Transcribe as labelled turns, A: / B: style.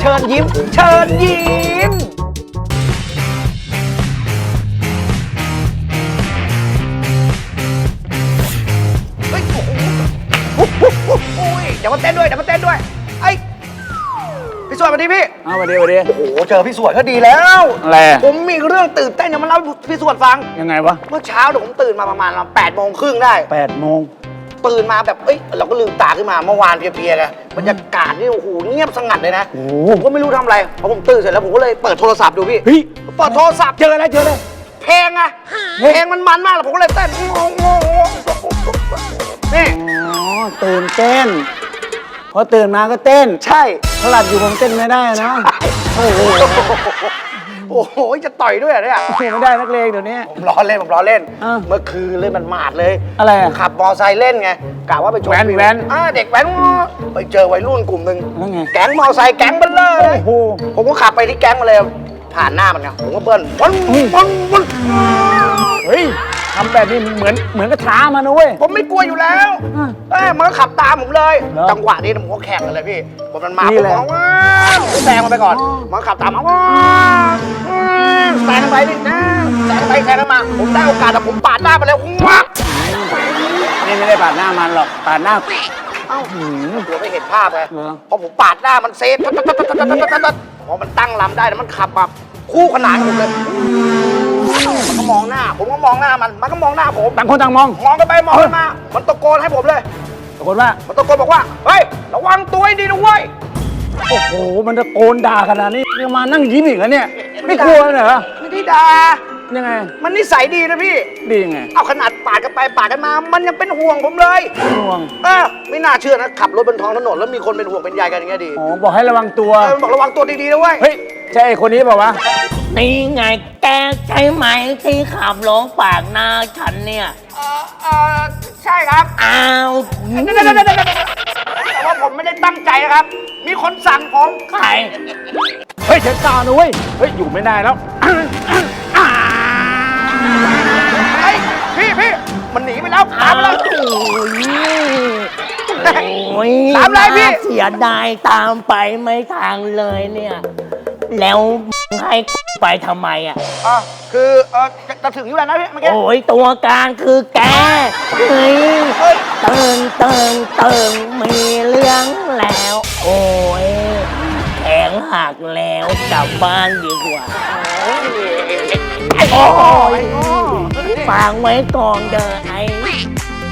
A: ชิญยิ้มเชิญยิ้มเฮ้ยโอ้โหเดี๋ยวมาเต้นด้วยเดี๋ยวมาเต้นด้วยไอ้พี่สวยสวัสดีพี่
B: สวัสดีสวัสดี
A: โอ้โหเจอพี่สวยก็ดีแล้ว
B: อะไร
A: ผมมีเรื่องตื่นเต้นจะมาเล่าพี่สวยฟัง
B: ยังไงวะ
A: เมื่อเช้าเดี๋ยวผมตื่นมาประมาณ8:30ได้
B: 8 โมง
A: ตื่นมาแบบเอ้ยเราก็ลืมตาขึ้นมาเมื่อวานเพลียๆไงบรรยากาศนี่โอ้โหเงียบสงัดเลยนะผมก็ไม่รู้ทำอะไรพอผมตื่นเสร็จแล้วผมก็เลยเปิดโทรศัพท์ดูพี่
B: เฮ้ย
A: เปิดโทรศัพท์
B: เจออะไร
A: เพลงอะเพลงมันมากแล้วผมก็เลยเต้นนี่
B: อ๋อตื่นเต้นพอตื่นมาก็เต้น
A: ใช่
B: ถ้าหลับอยู่ผมเต้นไม่ได้นะโอ้โห
A: โอ้โหจะต่อยด้วยเหรอเนี่ย
B: ไม่ได้นักเลงเดี๋ยวนี้
A: ผมล้อเล่นเมื่อคืนเลยมันมาดเลย
B: อะไร
A: ขับมอไซค์เล่นไงกะว่าไปชม
B: แว้น
A: เด็กแว้นไปเจอวัยรุ่นกลุ่มหนึ่ง แก๊งมอไซค์แก๊งเบิ้ลเลอร์เลย
B: โอ้โห
A: ผมก็ขับไปที่แก๊งมาเลยผ่านหน้ามันไงผมก็เบิ้ลวัน
B: เฮ้ยทำแบบนี้เหมือนกระท้ามันนะเว้ย
A: ผมไม่กลัวอยู่แล้วมันก็ขับตามผมเลยจังหวะนี้ผมก็แข่งกันเลยพี่ผมมันมาผมบอกว่าแซงมันไปก่อนมันขับตามมาว่าแซงไปนี่นะแซงไปแซงมาผมได้โอกาสแต่ผมปาดหน้าไปแล้ววัก
B: นี่ไม่ได้ปาดหน้ามันหรอกปาดหน้า
A: เอ้าเดี๋ยวไม่เห็นภาพไงพอผมปาดหน้ามันเซฟพอมันตั้งลำได้แล้วมันขับมาคู่ขนานผมเลยมันก็มองหน้าผมก็มองหน้ามันก็มองหน้าผม
B: ต่างคนต่างมอง
A: กันไปมองกันมามันตะโกนให้ผมเลย
B: ตะโกนว่า
A: มันตะโกนบอกว่าเฮ้ยระวังตัวให้ดีนะเว้ย
B: โอ้โหมันตะโกนด่าขนาดนี้ยังมานั่งยิ้มอีกแล้วเนี่ยไม่กลัวเหรอ
A: ไม่ได้ด่า
B: ยังไง
A: มันนิสัยดีนะพี่
B: ดียังไง
A: เอาขนาดปาดกันไปปาดกันมามันยังเป็นห่วงผมเลย
B: ห่วง
A: ไม่น่าเชื่อนะขับรถบนท้องถนนแล้วมีคนเป็นห่วงเป็นใยกันอย่างเงี้ยดี
B: อ๋อบอกให้ระวังตัว
A: บอกระวังตัวดีๆนะเว้ย
B: เฮ้ยใช่คนนี้เปล่าวะ
C: นี่ไงแกใช่ไหมที่ขับร้องปากหน้าฉันเนี่ย
A: ใช่ครับ
C: อ้าว
A: แต่ว่าผมไม่ได้ตั้งใจนะครับมีคนสั่งผม
C: ใคร
B: เฮ้ยเช็ดตาหน่อยเฮ้ยอยู่ไม่ได้แล้ว
A: พี่มันหนีไปแล้วตามแล้ว
C: โอ้ย
A: ตามอะไรพี่
C: เสียดายตามไปไม่ทางเลยเนี่ยแล้วให้ไปทำไมอ่ะ
A: คือจะถึงอยู่แล้วนะพี่เมื่อกี้
C: โอ้ยตัวการคือแกเฮ้ยเติงมีเรื่องแล้วโอ้ยแขนหักแล้วกลับบ้านดีกว่าโอ้ยฟังไว้ก่อนเด้อไอ้